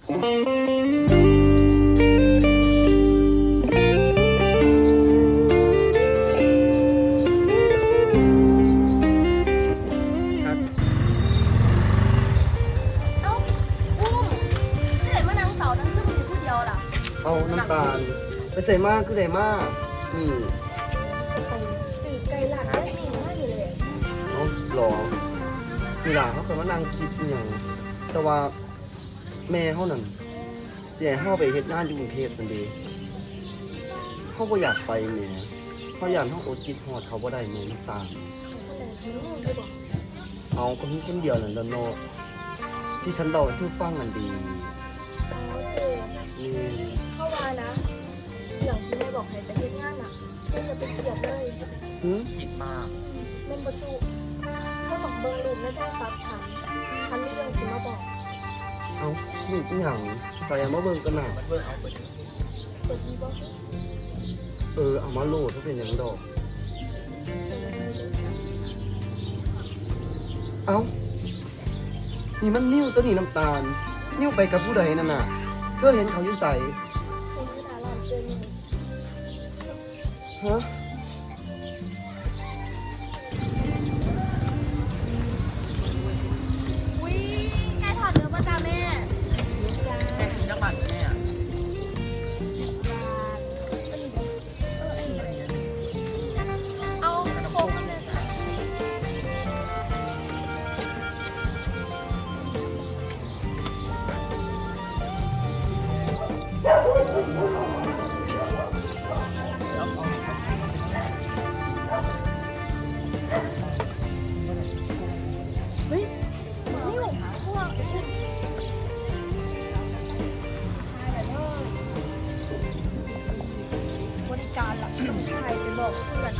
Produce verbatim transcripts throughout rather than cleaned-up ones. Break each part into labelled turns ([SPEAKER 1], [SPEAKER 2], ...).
[SPEAKER 1] เอาน้ำตาลไปใส่มากคือใส่มากนี่
[SPEAKER 2] สื่อไกลหลักได้ดีมากเลย
[SPEAKER 1] เอาหรอทีหลังเขาเคยมานั่งคิดอย่างแต่ว่าแม่เขานั่นเสียเขาไปเฮ็ดงานอยู่กรุงเทพสันเดีเขาก็อยากไปแม่เขาอยากเขาอดคิดฮอดเขาบ่ได้แม่น้ำตาลเอาก็มีคนเดียวนั่นแหละเนาะที่ฉันเล่าให้เธอฟังนั่นดีนี่
[SPEAKER 2] เข้ามานะอย่างที่แม่บอกให้ไปเฮ็ดงานอ่ะเธอจะไปเสียบเลย
[SPEAKER 1] คิดมาก
[SPEAKER 2] เล่นประจุเธอต้องเบิ่งรูปในโทรศัพท์ฉันฉันมีเรื่องสิมาบอก
[SPEAKER 1] เอาหนูเป็นอย่างใส่มาเบิ่งกันหน่ะมันเบิ่งเอาไป
[SPEAKER 2] เปิดทีบอก
[SPEAKER 1] เออเอามาโหลดก็เป็นอย่างดอกเอานี่มันนิ้วตัวนี้น้ำตาลนิ้วไปกับผู้ใดนั่นน่ะเธอเห็นเขาอยู่ใส่ฮะ
[SPEAKER 2] อุ้ยใกล้ถอดเนื้อป่ะจ้าแม่
[SPEAKER 1] แม่กินน้ำมันแม่
[SPEAKER 2] เอาโค้งมาเลยจ้ะเฮ้ยนี่หว่าพวกบริการหลักต้องใครไปบอกเพื่อน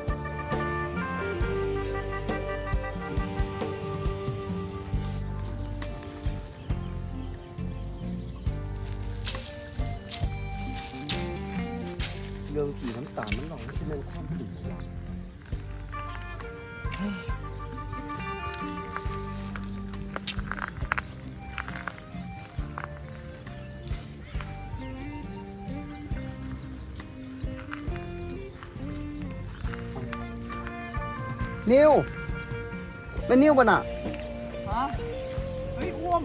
[SPEAKER 1] เรื่องขี่น้ำตาลมันหลอกไม่ใช่เรื่องความผิดหรอกนิวเป็นนิวป่ะน่ะ
[SPEAKER 3] ฮะเฮ้ยอ้วม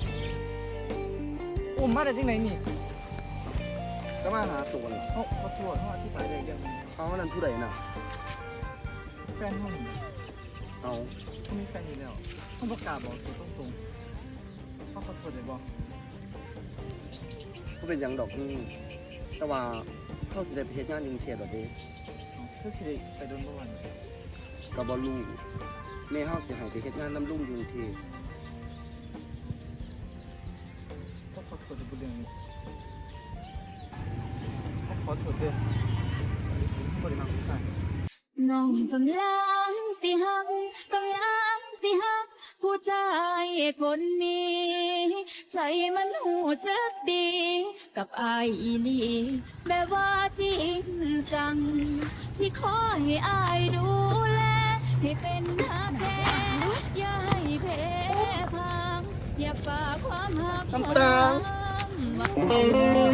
[SPEAKER 3] อ้วมมาได้ที่ไหนนี่
[SPEAKER 1] ก็มาหาตัวน่ะ
[SPEAKER 3] เขาเขาตรวจเขาอธิบายอะไรเรื่องนี้
[SPEAKER 1] เขานั่นผู้ใดน่ะ
[SPEAKER 3] แฟนห้อง
[SPEAKER 1] เอา
[SPEAKER 3] เขามีแฟนอยู่แล้วเขาประกาศบอกตัวตรงๆเขาขอโทษเลยบอก
[SPEAKER 1] ก็เป็นอย่างดอกนี่แต่ว่าเขาสิได้ไปเฮ็ดงานอยู่กรุงเทพฯแบบนี้
[SPEAKER 3] เพื่อสิไปโดนประวัน
[SPEAKER 1] ก็บ่รู้แม่เฮาสิให้ไปเฮ็ดงานนำลุงอยู่กรุงเทพฯ
[SPEAKER 3] เขาขอโทษในเรื่องนี้เขาขอโทษเด้อเขาบ่ได้มาผู้ชาย
[SPEAKER 2] น้องกำลังสิหักกำลังสิหักผู้ชายคนนี้ใจมันหูสึกดีกับอายอีลีแบบว่าจริงจังที่ขอให้อายดูแลให้เป็นหักแท้อย่าให้แพ้พังอยากฝากความหักความ